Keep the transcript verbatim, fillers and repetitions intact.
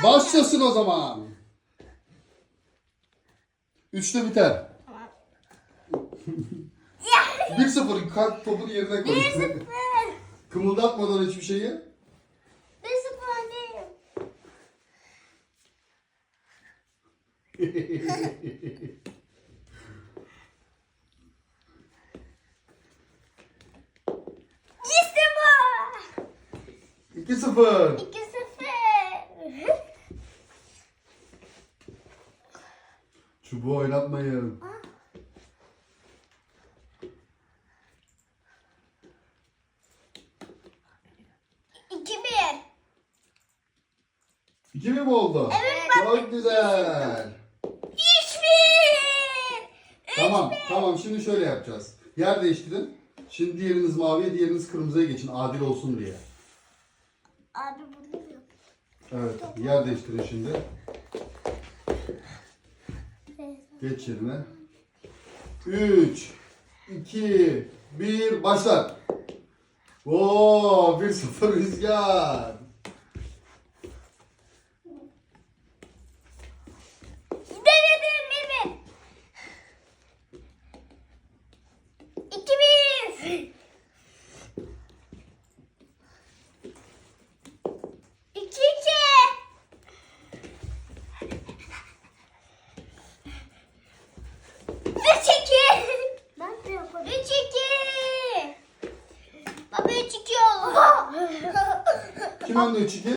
Başlasın o zaman. Üçte biter. Bir sıfır. Kalk topunu yerine koy. Bir sıfır. Kımıldatmadan hiçbir şeyi. Bir sıfır öndeyim. İşte bu. İki sıfır. İki sıfır. Çubuğu oynatmayın. İki bir. İki mi mi oldu? Evet, Çok güzel. Üç bir. Tamam, tamam. Şimdi şöyle yapacağız. Yer değiştirin. Şimdi diğeriniz maviye, diğeriniz kırmızıya geçin. Adil olsun diye. Abi burada mı? Evet, yer değiştirin şimdi. Geç yerine. Üç, iki, bir, başla. Oo, bir sıfır Rüzgar. Denedim bir bir. İki bir. İki iki. Üç iki. Ben de yaparım. Üç iki. Baba üç iki oldu. Kim önde üç iki?